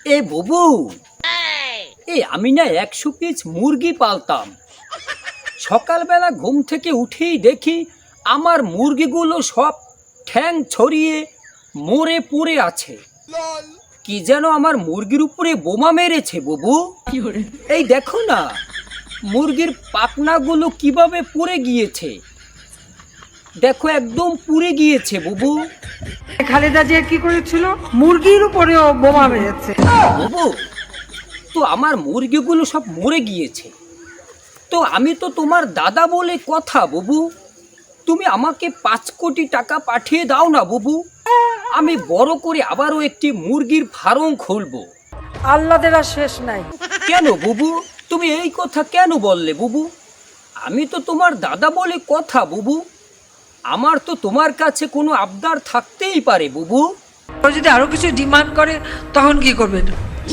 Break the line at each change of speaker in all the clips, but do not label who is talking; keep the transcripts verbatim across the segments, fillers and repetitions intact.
এ বুবু, এ আমি না একশো পিস মুরগি পালতাম। সকালবেলা ঘুম থেকে উঠেই দেখি আমার মুরগিগুলো সব ঠ্যাং ছড়িয়ে মরে পড়ে আছে। কি যেন আমার মুরগির উপরে বোমা মেরেছে বুবু। এই দেখো না, মুরগির পাখনাগুলো কিভাবে পুড়ে গিয়েছে। দেখো, একদম পুড়ে গিয়েছে বুবু।
খালেদা জিয়া কি করেছিল? মুরগির উপরেও বোমা মেরেছে।
বুবু, তো আমার মুরগিগুলো সব মরে গিয়েছে। তো আমি তো তোমার দাদা বলে কথা বুবু। তুমি আমাকে পাঁচ কোটি টাকা পাঠিয়ে দাও না বুবু। আমি বড় করে আবারও একটি মুরগির ফার্ম খুলবো।
আল্লাদের আর শেষ নাই।
কেন বুবু, তুমি এই কথা কেন বললে বুবু? আমি তো তোমার দাদা বলে কথা বুবু। আমার তো তোমার কাছে কোনো আবদার থাকতেই পারে বুবু।
ও যদি আরো কিছু ডিমান্ড করে তখন কি করবেন?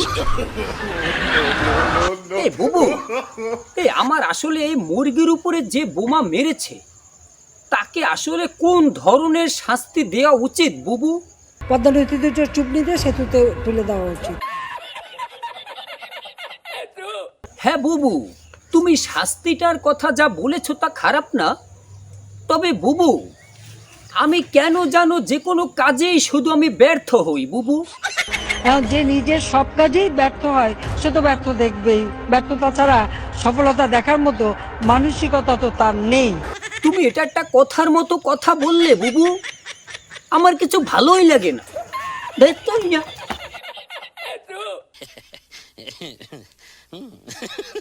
এ বুবু, এ আমার আসলে এই মুরগির উপরে যে বোমা মেরেছে তাকে আসলে কোন ধরনের শাস্তি দেওয়া উচিত বুবু?
পদ্মা নদীতে দুটো চুপনি দিয়ে সেতুতে তুলে দেওয়া উচিত।
হ্যাঁ বুবু, তুমি শাস্তিটার কথা যা বলেছ তা খারাপ না। তবে বুবু, আমি কেন জানো যে কোনো কাজেই শুধু আমি ব্যর্থ হই বুবু।
এখন যে নিজের সব কাজেই ব্যর্থ হয় সে তো ব্যর্থ দেখবেই। ব্যর্থতা ছাড়া সফলতা দেখার মতো মানসিকতা তো তার নেই।
তুমি এটা একটা কথার মতো কথা বললে বুবু, আমার কিছু ভালোই লাগে না। দেখতো না।